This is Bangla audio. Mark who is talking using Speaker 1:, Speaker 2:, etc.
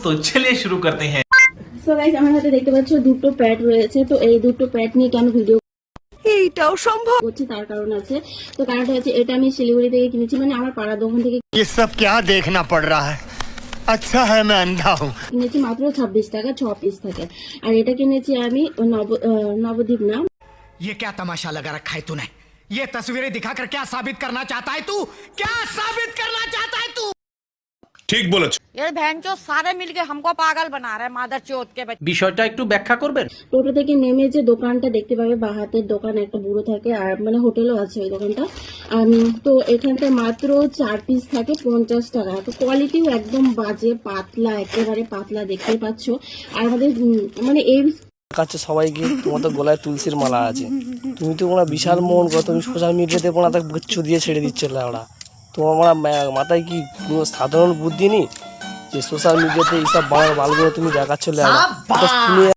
Speaker 1: तो चलिए शुरू करते हैं।
Speaker 2: সো গাইস আমার হাতে দেখতে পাচ্ছ দুটো প্যাড রয়েছে। তো এই দুটো প্যাড নিয়ে কেন ভিডিও
Speaker 3: এইটাও সম্ভব
Speaker 2: করছি তার কারণ আছে। তো কারণটা হচ্ছে এটা আমি শিলিগুড়ি থেকে কিনেছি, মানে আমার পাড়া দোকান থেকে
Speaker 4: ये सब क्या देखना पड़ रहा है। अच्छा है मैं अंधा हूँ।
Speaker 2: কিনেছি মাত্র 26 টাকা 6 পিস থাকে। আর এটা কিনেছি আমি নবদ্বীপ না,
Speaker 5: ये क्या तमाशा लगा रखा है तूने? ये तस्वीरें दिखाकर क्या साबित करना चाहता है तू? क्या साबित करना चाहता है तू?
Speaker 6: ঠিক বলেছ।
Speaker 3: ये भैंचो सारे मिलके हमको पागल बना रहे हैं मादर चोत के बच्चे।
Speaker 1: বিষয়টা একটু ব্যাখ্যা করবেন।
Speaker 2: টোটো থেকে নেমে যে দোকানটা দেখতে পাবে বা হাতের দোকান একটা বুড়ো থাকে, আর মানে হোটেলও আছে ওই দোকানটা। তো এখানটা মাত্র 4 পিস থাকে 50 টাকা। তো কোয়ালিটিও একদম বাজে, পাতলা, একেবারে পাতলা, দেখতেই পাচ্ছ। আর আমাদের মানে এই
Speaker 7: কাছে সবাইকে তোমার তো গলায় তুলসীর মালা আছে, তুমি তো ওরা বিশাল মন করো, তুমি সোশ্যাল মিডিয়াতে ওরা তাকে গুচ্ছ দিয়ে ছেড়ে দিচ্ছে ওরা। তোমার মাথায় কি কোনো সাধারণ বুদ্ধি নেই যে সোশ্যাল মিডিয়াতে এইসব বালগুলো তুমি দেখাচ্ছ? তুমি